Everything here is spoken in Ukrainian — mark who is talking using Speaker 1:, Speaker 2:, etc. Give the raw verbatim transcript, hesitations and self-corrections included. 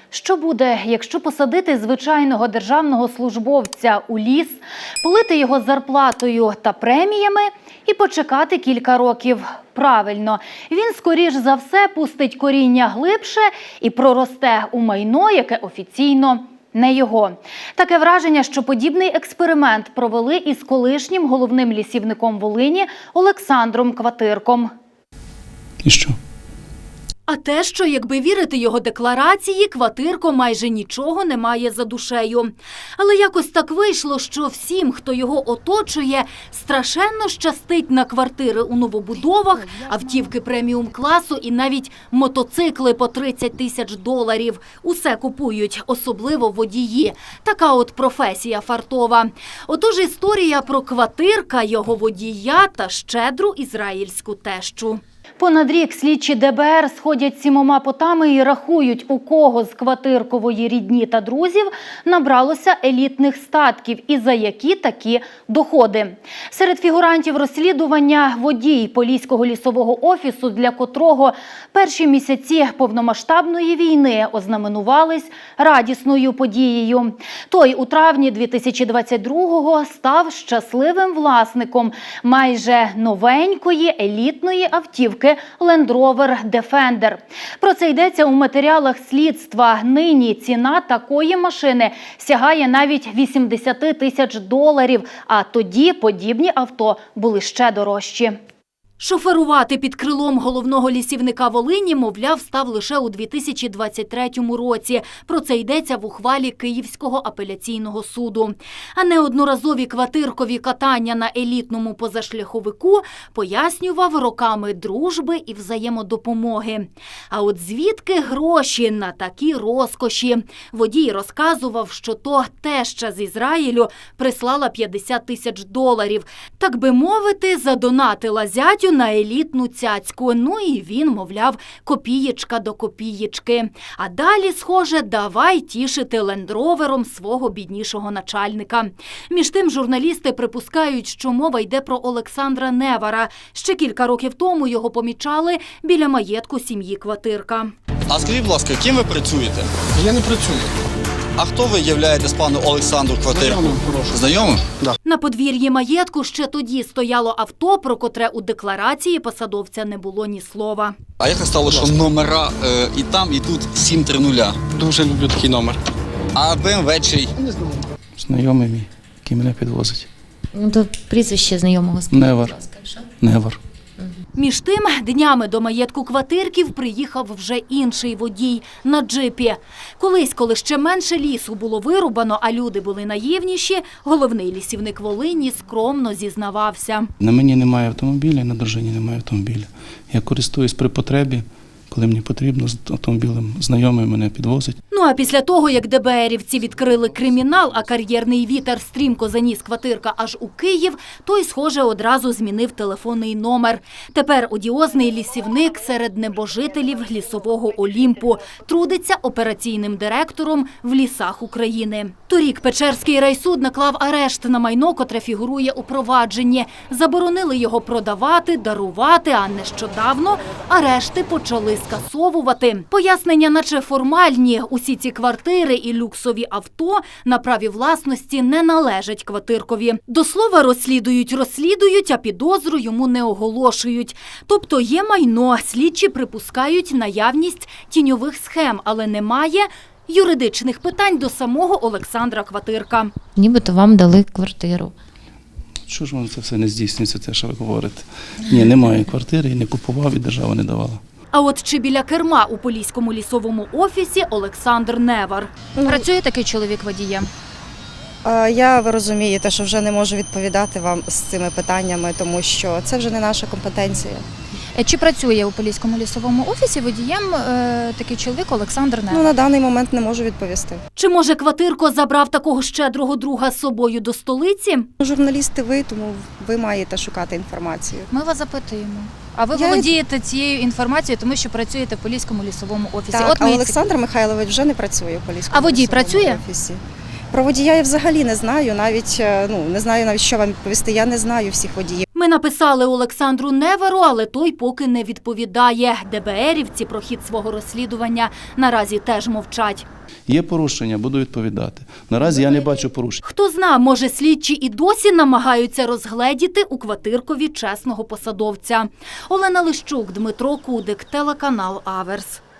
Speaker 1: Що буде, якщо посадити звичайного державного службовця у ліс, полити його зарплатою та преміями і почекати кілька років? Правильно, він, скоріш за все, пустить коріння глибше і проросте у майно, яке офіційно не його. Таке враження, що подібний експеримент провели із колишнім головним лісівником Волині Олександром Кватирком.
Speaker 2: І що?
Speaker 3: А те, що, якби вірити його декларації, Кватирко майже нічого не має за душею. Але якось так вийшло, що всім, хто його оточує, страшенно щастить на квартири у новобудовах, автівки преміум-класу і навіть мотоцикли по тридцять тисяч доларів. Усе купують, особливо водії. Така от професія фартова. Отож історія про Кватирка, його водія та щедру ізраїльську тещу.
Speaker 1: Понад рік слідчі де бе ер сходять сімома потами і рахують, у кого з Кватиркової рідні та друзів набралося елітних статків і за які такі доходи. Серед фігурантів розслідування водій Поліського лісового офісу, для котрого перші місяці повномасштабної війни ознаменувались радісною подією. Той у травні дві тисячі двадцять другого став щасливим власником майже новенької елітної автівки Land Rover Defender. Про це йдеться у матеріалах слідства. Нині ціна такої машини сягає навіть вісімдесят тисяч доларів, а тоді подібні авто були ще дорожчі.
Speaker 3: Шоферувати під крилом головного лісівника Волині, мовляв, став лише у дві тисячі двадцять третьому році. Про це йдеться в ухвалі Київського апеляційного суду. А неодноразові Кватиркові катання на елітному позашляховику пояснював роками дружби і взаємодопомоги. А от звідки гроші на такі розкоші? Водій розказував, що то теща з Ізраїлю прислала п'ятдесят тисяч доларів. Так би мовити, задонатила зятю на елітну цяцьку. Ну і він, мовляв, копієчка до копієчки. А далі, схоже, давай тішити лендровером свого біднішого начальника. Між тим, журналісти припускають, що мова йде про Олександра Невара. Ще кілька років тому його помічали біля маєтку сім'ї Кватирка.
Speaker 4: А скажіть, будь ласка, ким ви працюєте?
Speaker 2: Я не працюю.
Speaker 4: А хто ви являєтесь пану Олександру Кватирку?
Speaker 2: Знайомим, хорошим.
Speaker 4: Знайомим?
Speaker 2: Да.
Speaker 3: На подвір'ї маєтку ще тоді стояло авто, про котре у декларації посадовця не було ні слова.
Speaker 4: А як стало, що номера е, і там, і тут сім три нуля?
Speaker 2: Дуже люблю такий номер.
Speaker 4: А бе ем ве чий?
Speaker 2: Не знаю. Знайомий мій, який мене підвозить.
Speaker 5: Ну, то прізвище знайомого скажіть,
Speaker 2: Невар.
Speaker 5: будь ласка, що?
Speaker 2: Невар.
Speaker 3: Між тим, днями до маєтку Кватирків приїхав вже інший водій на джипі. Колись, коли ще менше лісу було вирубано, а люди були наївніші, головний лісівник Волині скромно зізнавався.
Speaker 2: На мені немає автомобіля, на дружині немає автомобіля. Я користуюсь при потребі, коли мені потрібно, з автомобілем знайомий мене підвозить.
Speaker 3: Ну а після того, як де бе ерівці відкрили кримінал, а кар'єрний вітер стрімко заніс Кватирка аж у Київ, той, схоже, одразу змінив телефонний номер. Тепер одіозний лісівник серед небожителів лісового Олімпу трудиться операційним директором в лісах України. Торік Печерський райсуд наклав арешт на майно, котре фігурує у провадженні. Заборонили його продавати, дарувати, а нещодавно арешти почали скасовувати. Пояснення наче формальні. Усі ці квартири і люксові авто на праві власності не належать Кватиркові. До слова, розслідують, розслідують, а підозру йому не оголошують. Тобто є майно, слідчі припускають наявність тіньових схем, але немає юридичних питань до самого Олександра Кватирка.
Speaker 5: Нібито вам дали квартиру.
Speaker 2: Що ж воно це все не здійснюється, те, що ви говорите? Ні, немає квартири, і не купував, і держава не давала.
Speaker 3: А от чи біля керма у Поліському лісовому офісі Олександр Невар.
Speaker 6: Працює такий чоловік водієм?
Speaker 7: Я, ви розумієте, що вже не можу відповідати вам з цими питаннями, тому що це вже не наша компетенція.
Speaker 6: Чи працює у Поліському лісовому офісі водієм е, такий чоловік Олександр Невар?
Speaker 7: Ну, на даний момент не можу відповісти.
Speaker 3: Чи, може, Кватирко забрав такого щедрого друга з собою до столиці?
Speaker 7: Журналісти ви, тому ви маєте шукати інформацію.
Speaker 6: Ми вас запитуємо. А ви
Speaker 7: Я...
Speaker 6: володієте цією інформацією, тому що працюєте в Поліському лісовому офісі.
Speaker 7: Так,
Speaker 6: От
Speaker 7: а
Speaker 6: ми
Speaker 7: Олександр Михайлович вже не працює в Поліському
Speaker 6: А водій
Speaker 7: лісовому
Speaker 6: працює?
Speaker 7: офісі. Про водія я взагалі не знаю, навіть, ну, не знаю навіть, що вам відповісти. Я не знаю всіх водіїв.
Speaker 3: Ми написали Олександру Неверу, але той поки не відповідає. ДБРівці про хід свого розслідування наразі теж мовчать.
Speaker 2: Є порушення, буду відповідати. Наразі я не бачу порушень.
Speaker 3: Хто зна, може слідчі і досі намагаються розгледіти у квартиркові чесного посадовця. Олена Лищук, Дмитро Кудик, телеканал Аверс.